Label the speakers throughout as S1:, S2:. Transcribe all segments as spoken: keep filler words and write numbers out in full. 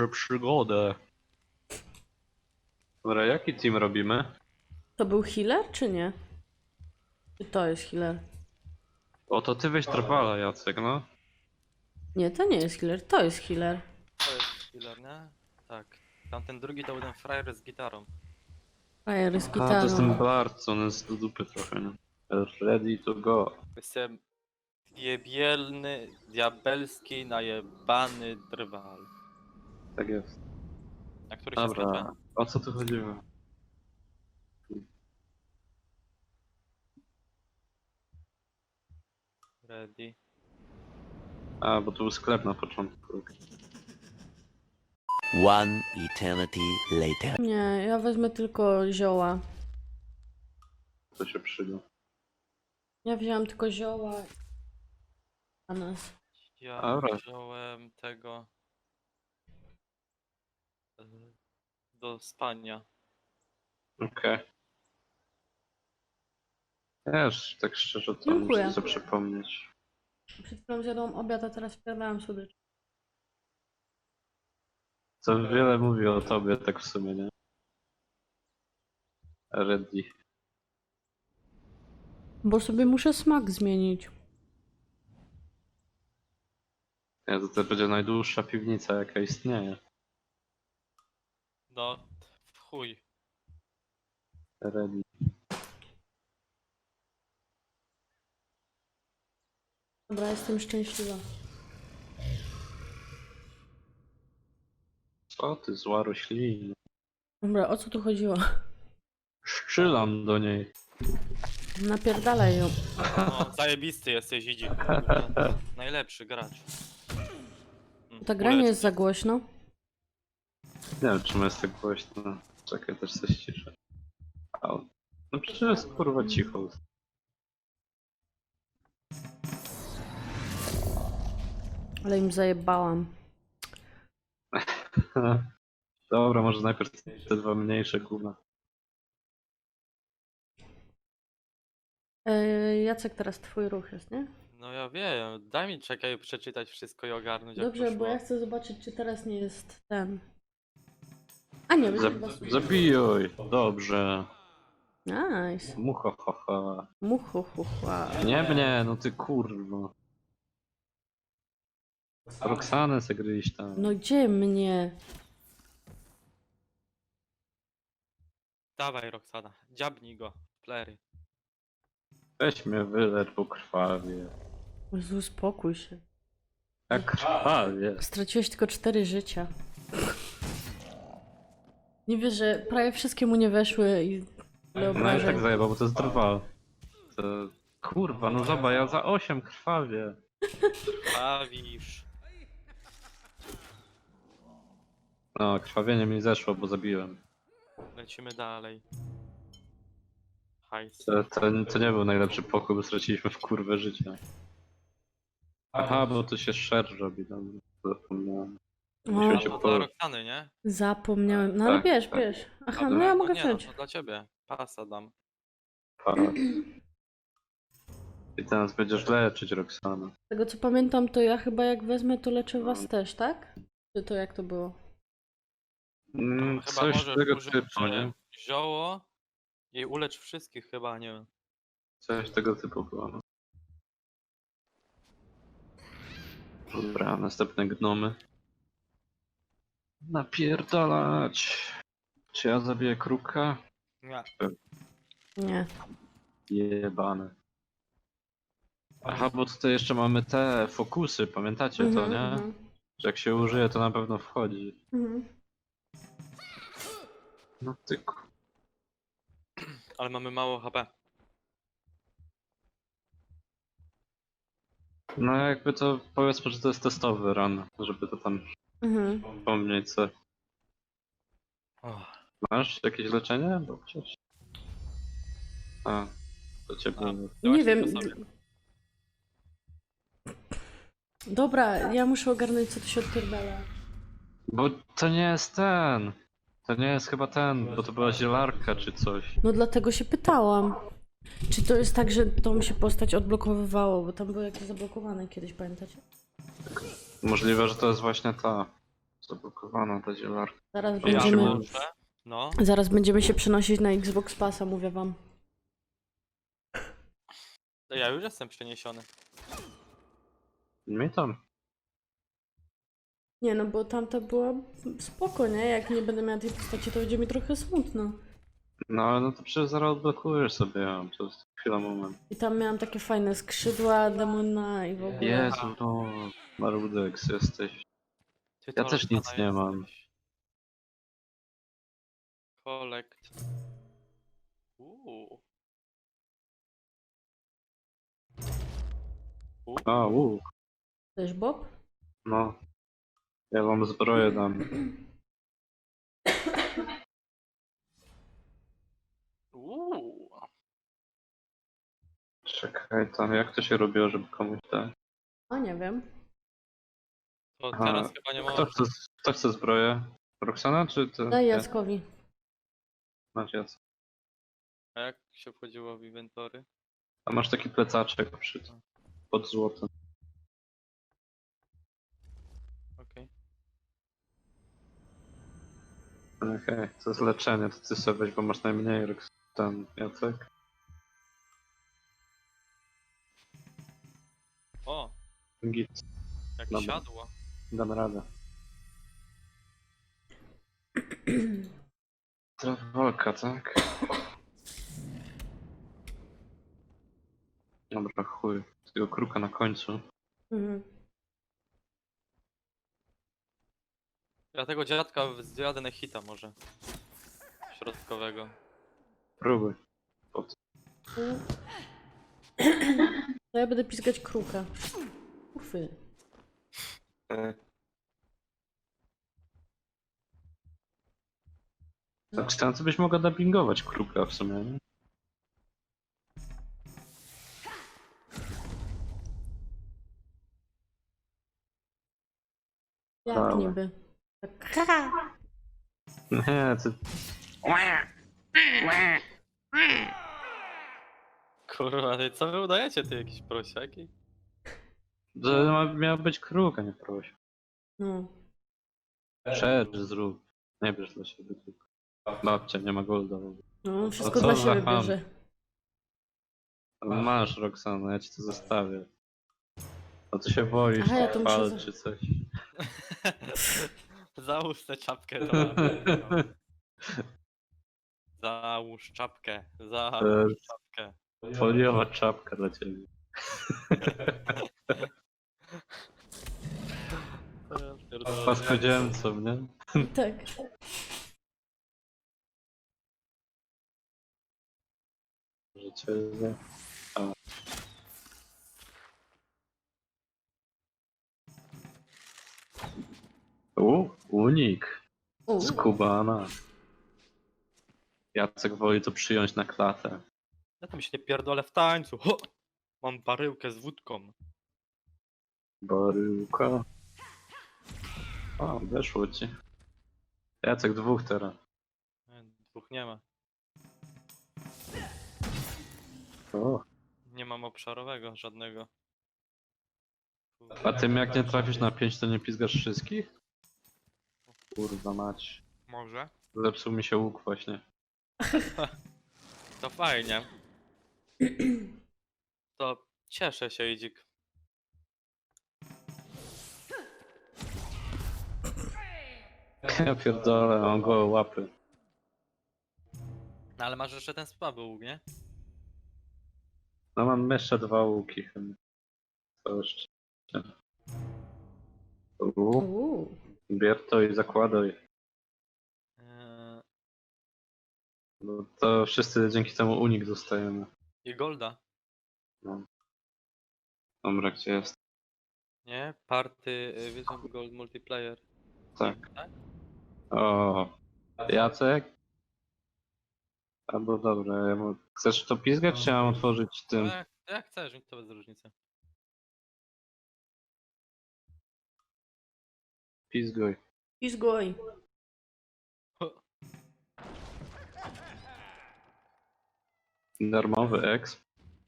S1: może przygodę. Dobra, jaki team robimy?
S2: To był healer, czy nie? Czy to jest healer?
S1: O, to ty weź Trwala, Jacek, no.
S2: Nie, to nie jest healer, to jest healer.
S3: To jest killer, nie? Tak. Tamten drugi to był ten frajer z gitarą.
S2: Frajer z
S1: A, to jest ten
S2: gitarą.
S1: Bard, co on jest do dupy trochę, nie? Ready to go.
S3: Jestem jebielny, diabelski, najebany drwal.
S1: Tak jest.
S3: Na który się skończy?
S1: Dobra, o co tu chodziło?
S3: Ready.
S1: A, bo tu był sklep na początku.
S4: One eternity later.
S2: Nie, ja wezmę tylko zioła.
S1: To się przyda.
S2: Ja wziąłem tylko zioła. A nas.
S3: Ja
S1: Dobra.
S3: wziąłem tego e, do spania.
S1: Okej. Wiesz, tak szczerze to
S2: Dziękuję.
S1: muszę sobie przypomnieć.
S2: Przed chwilą zjadłam obiad, a teraz wpierdałam słodycz.
S1: Co wiele mówi o tobie, tak w sumie, nie? Ready.
S2: Bo sobie muszę smak zmienić.
S1: Nie, to, to będzie najdłuższa piwnica, jaka istnieje.
S3: No, w chuj.
S1: Ready.
S2: Dobra, jestem szczęśliwa.
S1: Co ty, zła roślina.
S2: Dobra, o co tu chodziło?
S1: Szczylam do niej.
S2: Napierdalaj ją.
S3: No, zajebisty jesteś, idzi. Najlepszy gracz. Mm,
S2: Ta gra nie
S3: polecam.
S2: jest za głośno.
S1: Nie wiem, czemu jest tak głośno. Czekaj, też coś ciszę. Au. No przecież jest kurwa cicho.
S2: Ale im zajebałam.
S1: Dobra, może najpierw te dwa mniejsze gówna.
S2: Ej, Jacek, teraz twój ruch jest, nie?
S3: No ja wiem, daj mi czekaj przeczytać wszystko i ogarnąć jak
S2: Dobrze,
S3: poszło.
S2: bo ja chcę zobaczyć, czy teraz nie jest ten. A nie,
S1: Za,
S2: będzie chyba...
S1: zabijuj! Dobrze.
S2: Nice.
S1: Muchochocha.
S2: Muchuchuchua.
S1: Nie mnie, no ty kurwa. Roxanę se gryź tam.
S2: No gdzie mnie?
S3: Dawaj Roxana, dziabnij go, plery.
S1: Weź mnie wylecz, bo krwawie.
S2: Jezu, uspokój się.
S1: Jak krwawie.
S2: Straciłeś tylko cztery życia. Nie wiesz, że prawie wszystkie mu nie weszły i...
S1: No i
S2: obrażeń.
S1: tak zajebał, bo to jest drwal. To... Kurwa, no zobacz, ja za osiem krwawie.
S3: Bawisz.
S1: No, krwawienie mi zeszło, bo zabiłem.
S3: Lecimy dalej. Hajs.
S1: To, to, to nie był najlepszy pokój, bo straciliśmy w kurwę życia. Aha, bo tu się szer robi, dobra. Zapomniałem. Musimy
S2: O,
S1: się
S3: No
S1: po...
S3: dla Roxany, nie?
S2: zapomniałem. No ale
S1: Tak,
S2: bierz,
S1: tak.
S2: bierz. Aha,
S1: Dobra.
S2: no ja
S3: No
S2: mogę
S3: nie, no
S2: wziąć.
S3: to dla ciebie. Pasa dam.
S1: Parat. I teraz będziesz leczyć Roxana.
S2: Z tego co pamiętam, to ja chyba jak wezmę, to leczę was też, tak? Czy to jak to było?
S1: Mm,
S3: No, chyba
S1: coś
S3: możesz
S1: tego
S3: użyć
S1: typu,
S3: e,
S1: nie?
S3: zioło i ulecz wszystkich chyba, nie wiem.
S1: Coś tego typu było. no. Dobra, następne gnomy. Napierdalać. Czy ja zabiję kruka?
S3: Nie.
S2: Nie.
S1: Jebane. Aha, bo tutaj jeszcze mamy te fokusy, pamiętacie to,
S2: Mhm,
S1: nie?
S2: mhm,
S1: Że jak się użyje, to na pewno wchodzi.
S2: mhm.
S1: No ty ku...
S3: Ale mamy mało H P.
S1: No jakby to powiedzmy, że to jest testowy run, żeby to tam
S2: Mhm.
S1: pomnieć co.
S3: Oh.
S1: Masz jakieś leczenie? Bo przecież... A, to ciebie...
S3: A.
S2: Nie
S3: Właśnie
S2: wiem.
S3: to sobie.
S2: Dobra, ja muszę ogarnąć, co tu się odpierdala.
S1: Bo to nie jest ten. To nie jest chyba ten, bo to była zielarka czy coś.
S2: No dlatego się pytałam. Czy to jest tak, że tą się postać odblokowywało, bo tam były jakieś zablokowane kiedyś, pamiętacie?
S1: Możliwe, że to jest właśnie ta. Zablokowana ta zielarka.
S2: Zaraz
S3: Ja
S2: będziemy,
S3: może? No.
S2: zaraz będziemy się przenosić na Xbox Passa, mówię wam.
S3: To ja już jestem przeniesiony.
S1: Mi tam.
S2: Nie no, bo tamta była spoko, nie? Jak nie będę miała tej postaci, to będzie mi trochę smutno.
S1: No ale no to przecież zaraz odblokujesz sobie ją. To jest chwila, moment.
S2: I tam miałam takie fajne skrzydła demona i w ogóle.
S1: Jezu, no. Marudex jesteś.
S3: Ty
S1: Ja
S3: to
S1: też nic
S3: Lorna
S1: nie mam.
S3: jesteś. Collect. Uuu. Uuu.
S1: A, łuk.
S2: Też Bob?
S1: No. Ja wam zbroję dam.
S3: Uuu.
S1: Czekaj tam, jak to się robiło, żeby komuś dać?
S2: A nie wiem.
S3: To
S1: Aha.
S3: teraz chyba nie
S1: Kto
S3: ma.
S1: chce, kto chce zbroję? Roxana czy ty?
S2: Daj
S1: Nie.
S2: Jackowi.
S1: Masz Jacek.
S3: A jak się wchodziło w inwentory?
S1: A masz taki plecaczek przy pod złotem.
S3: Okej.
S1: Okej, to jest leczenie, to ty sobie weź, bo masz najmniej Rox- ten Jacek.
S3: O,
S1: Git,
S3: jak
S1: Dobra.
S3: siadło.
S1: dam radę. Walka, tak? Dobra, chuj. Tego kruka na końcu.
S2: Mhm.
S3: Ja tego dziadka zjadę na hita może. Środkowego.
S1: Próbuj.
S2: To ja będę piskać kruka. Ufy.
S1: Tak, tam co byś mogła dubbingować kruka w sumie, nie?
S2: Jak
S1: Dobra.
S2: niby. Tak.
S1: Nie, ty...
S3: Kurwa, ty co wy udajecie, ty jakieś prosiaki?
S1: To ma, miał być kruk, a nie proś.
S2: No.
S1: Szerz zrób. Nie bierz dla siebie tylko. Babcia nie ma golda.
S2: No, wszystko
S1: co
S2: dla
S1: za
S2: siebie
S1: ham.
S2: bierze.
S1: Masz Roxana, ja ci to zostawię. A ty się boisz,
S2: Aha, ja to muszę
S1: pal
S2: za-
S1: czy coś.
S3: Załóż tę czapkę. Dobra. Załóż czapkę. Załóż czapkę.
S1: Foliowa czapka dla ciebie. Paskodziemcą, nie?
S2: Tak.
S1: Życie, nie? A. U, unik.
S2: U.
S1: Skubana. Jacek woli to przyjąć na klatę.
S3: Ja tam się nie pierdolę w tańcu. Ho! Mam baryłkę z wódką.
S1: Baryłka. O, weszło ci. Jacek dwóch teraz.
S3: Nie, Dwóch nie ma.
S1: O.
S3: Nie mam obszarowego żadnego.
S1: A tym jak nie trafisz na pięć, to nie pizgasz wszystkich? Kurwa mać.
S3: Może?
S1: Zepsuł mi się łuk właśnie.
S3: To fajnie. To cieszę się, Idzik.
S1: Ja pierdolę, mam gołe łapy.
S3: No ale masz jeszcze ten słaby łuk, nie?
S1: No mam jeszcze dwa łuki chyba. To jeszcze. U,
S2: U.
S1: bier to i zakładaj.
S3: Eee,
S1: No to wszyscy dzięki temu unik dostajemy.
S3: I Golda.
S1: No. Dobra, gdzie jest?
S3: Nie? Party y, Vision Gold Multiplayer.
S1: Tak.
S3: Tak?
S1: O, Jacek? Albo dobra, ja mu... chcesz to pizgać, czy ja mam otworzyć
S3: No
S1: tym?
S3: jak, jak chcesz, mi to bez różnicy.
S1: Pizguj.
S2: I zgoj.
S1: Darmowy exp.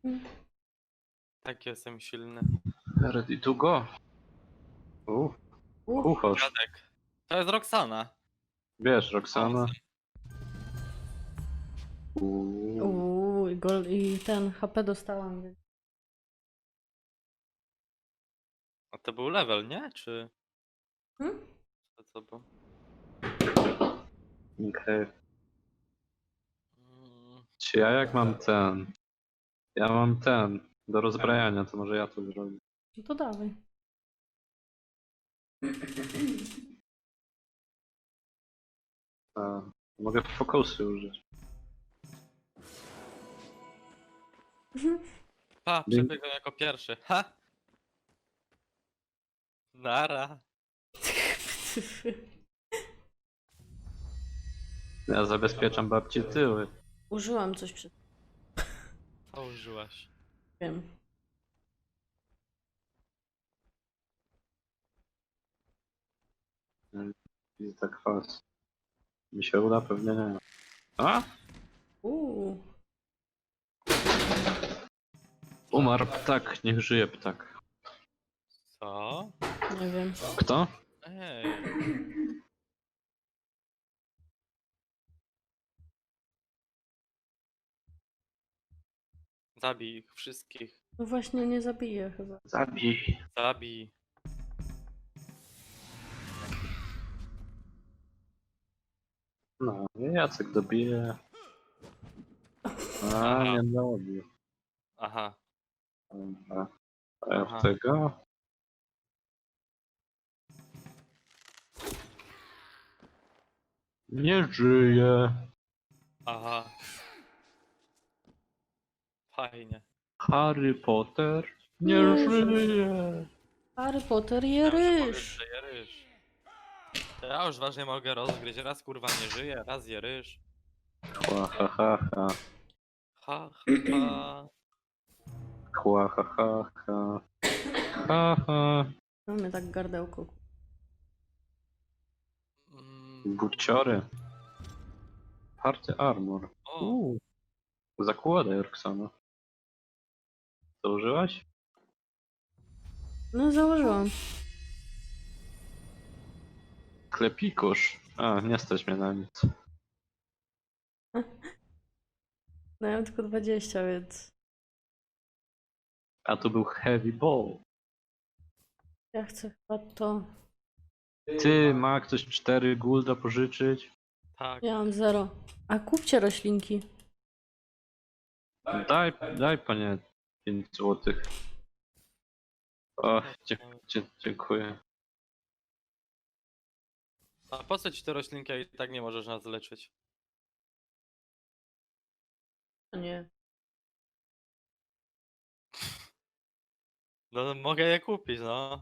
S3: Tak jestem silny.
S1: Ready to go. U,
S2: U.
S1: kucharz.
S3: Dziadek. To jest Roxana.
S1: Wiesz, Roxana. Uuu.
S2: Uuu, i, gol, i ten H P dostałam. Więc...
S3: A to był level, nie? Czy...
S2: Hmm?
S3: To co było?
S1: Okej.
S3: Mm,
S1: Czy ja jak mam ten? Ja mam ten. Do rozbrajania, to może ja to zrobię.
S2: No to dawaj.
S1: A, mogę fokusy użyć.
S3: Pa,
S1: Dzięki.
S3: przebiegłem jako pierwszy. Ha! Nara.
S1: Ja zabezpieczam babci tyły.
S2: Użyłam coś przed
S3: Co użyłaś?
S2: tym.
S1: I tak kwas. Mi się uda? Pewnie nie. A?
S2: Uuu.
S1: Umarł ptak, niech żyje ptak.
S3: Co?
S2: Nie wiem.
S1: Kto?
S3: Ej. Zabij ich wszystkich.
S2: No właśnie nie zabiję chyba.
S1: Zabij.
S3: Zabij.
S1: No, Jacek dobije. A, nie dobił.
S3: Aha.
S1: Dobra. A ja
S3: Aha.
S1: w tego? Nie żyje.
S3: Aha. Fajnie.
S1: Harry Potter nie,
S2: Nie
S1: żyje.
S2: Harry Potter je
S3: Ja muszę
S2: ryż.
S3: powiedzieć, że je ryż. To ja już ważnie mogę rozgryźć. Raz kurwa nie żyje, raz je ryż.
S1: Chła ha ha ha.
S3: Ha, ha, ha.
S1: Chła ha ha ha. Ha ha.
S2: Mamy tak gardełko.
S3: Mm,
S1: Buciory. Party armor.
S3: o,
S1: Uuu. Zakładaj Roxana. Co użyłaś?
S2: No założyłam.
S1: Klepikusz. A, nie stać mnie na nic.
S2: No ja mam tylko dwadzieścia, więc
S1: A tu był heavy ball.
S2: ja chcę chyba to.
S1: Ty, ma ktoś cztery gulda pożyczyć?
S3: tak.
S2: Ja mam zero. A kupcie roślinki.
S1: Daj, daj panie pięć złotych. O, dzie, dzie, dziękuję.
S3: A po co ci te roślinki, jak i tak nie możesz nas leczyć?
S2: A nie.
S3: No mogę je kupić, no.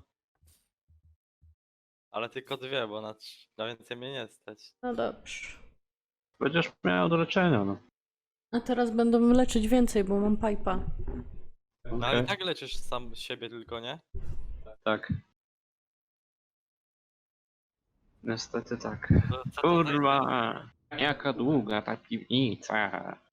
S3: Ale tylko dwie, bo na, trz- na więcej mnie nie stać.
S2: No dobrze.
S1: Będziesz miał do leczenia, no.
S2: A teraz będą leczyć więcej, bo mam pipa.
S3: No ale
S1: Okej.
S3: i tak leczysz sam siebie tylko, nie?
S1: Tak. Niestety tak.
S3: To, co to za-
S1: Kurwa, jaka długa ta piwnica.